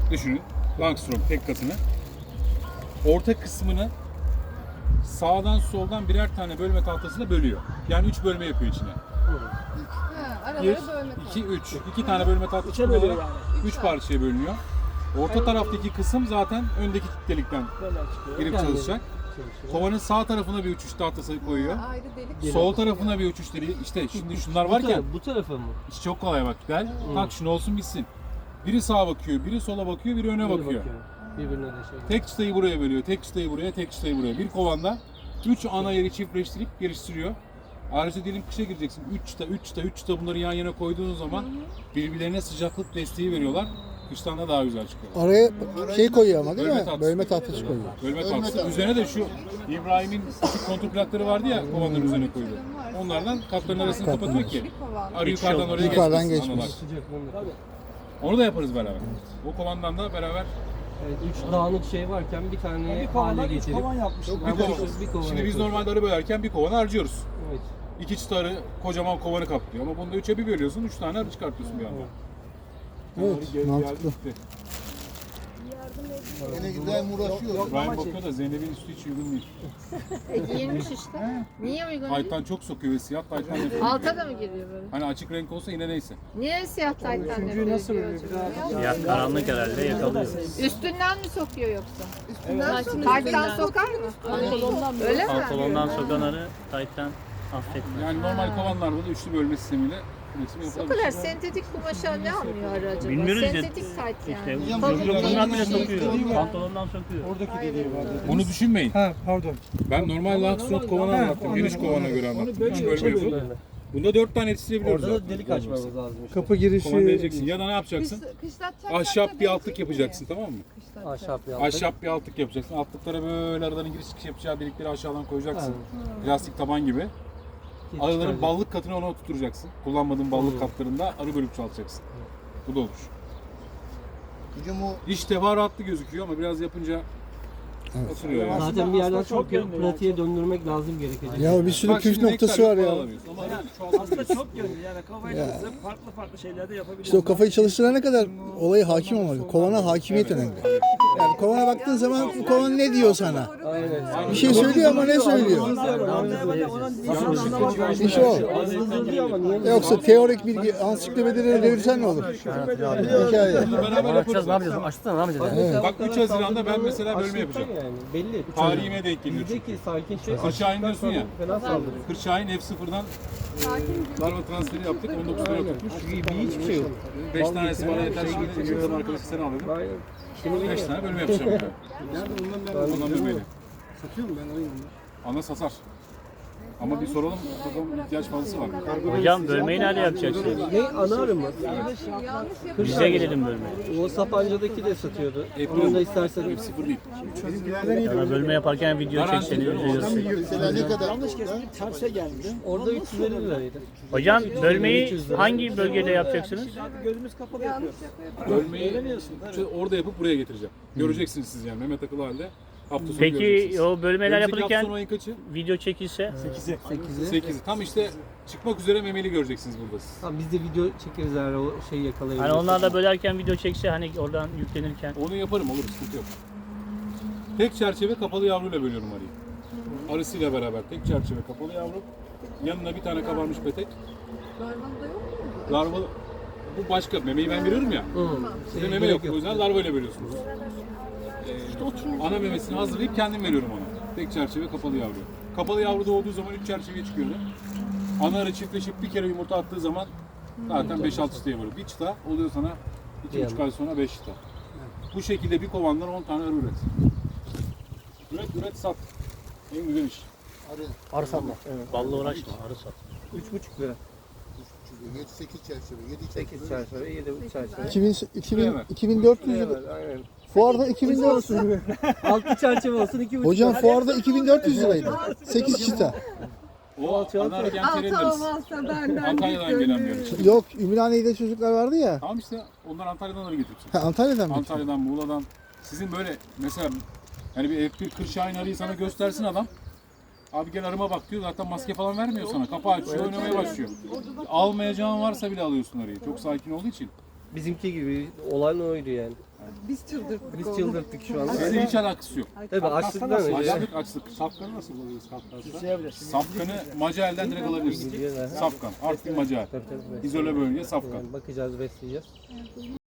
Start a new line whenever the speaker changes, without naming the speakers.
düşünün. Langstroth tek katını. Orta kısmını sağdan soldan birer tane bölme tahtasıyla bölüyor. Yani 3 bölme yapıyor içine.
Aralara
1,
bölme
2, 3. 2 tane bölme tahtası bölüyor. 3 parçaya bölünüyor. Orta taraftaki kısım zaten öndeki delikten girip çalışacak. Kovanın sağ tarafına bir uçuş tahtası koyuyor.
Ayrı delik.
Sol tarafına bir uçuş deliği. İşte şimdi şunlar varken
Bu tarafa mı?
iş çok kolay bak. Gel tak şunu olsun bitsin. Biri sağa bakıyor, biri sola bakıyor, biri öne bakıyor.
Birbirine de şey.
Tek çıtayı buraya bölüyor, tek çıtayı buraya, tek çıtayı buraya. Bir kovanda 3 ana yeri çiftleştirip geliştiriyor. Ayrıca diyelim kışa gireceksin. 3 çıta bunları yan yana koyduğun zaman birbirlerine sıcaklık desteği veriyorlar. Kıştan da daha güzel çıkıyor.
Araya şey koyuyor ama değil
Bölme
mi?
tahtası.
Bölme tahtası koyuyor.
Bölme tahtası. Üzerine de şu İbrahim'in küçük kontrol plakları vardı ya kovanların üzerine koydu. Onlardan katların arasını kapatıyor ki
Bir kovan.
arı yukarıdan oraya
Yukarıdan
geçmesin.
geçmesin.
analar. Onu da yaparız beraber. O kovandan da beraber
Evet, 3 dağınık şey varken bir tane hale getirip
bir kovan.
bir kovan
Şimdi biz
yapıyoruz.
normalde arı bölerken bir kovanı harcıyoruz.
Evet.
2 çıta arı kocaman kovanı kaplıyor ama bunda 3'e bir bölüyorsun, 3 tane arı çıkartıyorsun bir anda.
Evet, mantıklı.
Yine güzel uğraşıyor.
İbrahim bakıyor da Zeynep'in üstü hiç uygun değil.
Giyilmiş işte. Niye uygun değil?
Taytan çok sokuyor ve siyah taytan yapıyor.
Alta da mı giriyor böyle?
Hani açık renk olsa yine neyse.
Niye siyah taytlar nefret
nasıl
ediyor
böyle
acaba?
Ya karanlık herhalde yakalıyor.
Üstünden mi sokuyor yoksa? Tayttan sokar mı? Öyle mi?
Pantolondan sokanları tayttan affetmez.
Yani normal kovanlarda da üçlü bölme sistemiyle üretim
O
yapılabilir.
kadar sentetik kumaşa ne anlıyor arı acaba?
Bilmiyoruz ya.
Sentetik tayt
İşte
yani.
bundan bile sokuyor. Pantolondan sokuyor.
Oradaki dediği var.
Onu düşünmeyin.
Ha pardon.
Ben normal Langstroth kovanı anlattım. Geniş kovana göre anlattım. 3 bölme yapıp. Bunda 4 tane yetiştirebiliyoruz
Orada da
zaten.
delik açmamız lazım işte.
Kapı girişi.
Kovan vereceksin. Ya da ne yapacaksın?
Kışlatacak
Ahşap bir altlık yapacaksın, tamam mı?
Ahşap yaptık.
Ahşap bir altlık yapacaksın. Altlıklara böyle araların giriş çıkış yapacağı delikleri aşağıdan koyacaksın. Plastik taban gibi. Arıların ballık katını ona oturtacaksın. Kullanmadığın ballık katlarında arı bölüp çalışacaksın. Bu da olur.
Hocam o
İş teferruatlı gözüküyor ama biraz yapınca oturuyor yani.
Zaten bir yerden sonra pratiğe döndürmek lazım gerekecek.
Ya bir sürü
Bak
püf
şimdi
noktası
nektar
var
yok,
ya.
alamıyorsun. Ama arı çoğaltabiliyorsun.
Çok yönlü yani kafayı
Ya.
çalıştırıp farklı şeyler de yapabiliyorsun.
İşte o kafayı çalıştırana kadar olaya hakim olmak. Kovana hakimiyet önemli. Yani kovana baktığın zaman bu kovan ne diyor sana? Bir şey söylüyor ama ne söylüyor? İş o. Yoksa teorik bilgi ansiklopedileri devirsen ne olur? Hikaye.
Beraber yaparız.
Ne yapacağız? Açsana ne yapacağız?
Bak 3 Haziran'da ben mesela bölme yapacağım.
Yani belli.
Tarihime denk geliyor çünkü.
Bizdeki sakin şey.
Kırşahin diyorsun ya.
Fena saldırıyor.
Kırşahin F0'dan larva transferi yaptık. 19 lira tutmuş.
Hiçbir şey yok.
5 tanesi bana yeter. Şimdi yıldan arkadaşı sen al dedim.
Şimdi
5 tane bölme yapacağım. Ondan bölmeyle.
Satıyor mu ben alayım onu?
Ana satar. Ama bir soralım, bakalım ihtiyaç fazlası var mı?
Hocam bölmeyi nerede yapacaksınız?
ne ana arı mı?
Bize gelelim bölmeye.
O Sapanca'daki de satıyordu. Onu da istersen
F0 değil.
Ya bölme yaparken video çekseniz bize gösterin.
mesela ne kadar?
Terse geldi.
orada 350 liraydı.
Hocam bölmeyi hangi bölgede yapacaksınız?
Abi gözümüz kapalı yapıyor.
Bölmeyi işte orada yapıp buraya getireceğim. Göreceksiniz siz yani Mehmet Akıl halde. Hafta sonu
Peki
göreceksiniz.
o bölmeler
Önümüzdeki hafta
yapılırken
sonu ayın kaçı?
video çekilse
8'i. Tam işte çıkmak üzere memeli göreceksiniz burada siz.
Tamam biz de video çekeriz eğer o şeyi yakalayabilirsek.
hani onlar da bölerken video çekse hani oradan yüklenirken
Onu yaparım, olur, sıkıntı yok. Tek çerçeve kapalı yavruyla bölüyorum arıyı. Arısıyla beraber tek çerçeve kapalı yavru. Yanına bir tane kabarmış petek.
Larvanda yok mu?
Larva, bu başka. Memeyi ben veriyorum ya. Size meme yok. O yüzden larva ile veriyorsunuz. Ana memesini hazırlayıp kendim veriyorum ona. Tek çerçeve kapalı yavru. Kapalı yavru doğduğu zaman 3 çerçeveye çıkıyordu. Ana arı çiftleşip bir kere yumurta attığı zaman zaten 5-6 çıtaya varıyor. Bir çıta oluyor sana 2,5 ay sonra 5 çıta. Bu şekilde bir kovandan 10 tane arı üret. Üret sat. En güzel iş.
arı satma. Ballı uğraşma, arı sat.
3,5 lira.
7-8 çerçeve, 7
8 çerçeve, 7 çerçeve.
2400 lira.
Aynen.
Fuarda 2400 lira.
6 çerçeve olsun 2,5
Hocam fuarda 2400 liraydı. 8 çıta.
O ana arı gençlerin
Altı
arısı.
olmazsa benden
Antalya'dan gelen bir arı.
Yok, Ümraniye'de çocuklar vardı ya.
Tamam işte onlar Antalya'dan arı getirsin.
Ha, Antalya'dan mı?
Antalya'dan, Muğla'dan. Sizin böyle mesela yani bir F1 Kırşahin arıyı sana göstersin adam. Abi gel arıma bak diyor, zaten maske falan vermiyor sana. Kapağı açıyor, oynamaya başlıyor. Almayacağın varsa bile alıyorsun arıyı. Çok sakin olduğu için.
Bizimki gibi olan oydu yani.
Biz çıldırttık
Biz
onu.
çıldırttık şu an.
Bizde hiç alakası yok.
Tabii açlıktan önce.
Açlık. Safkanı nasıl buluyoruz Kafkas'ta? Safkanı Macael'den direkt alabilirsin. Safkan. Artvin Macael.
Tabii.
İzole bölge Safkan.
Yani bakacağız, besleyeceğiz.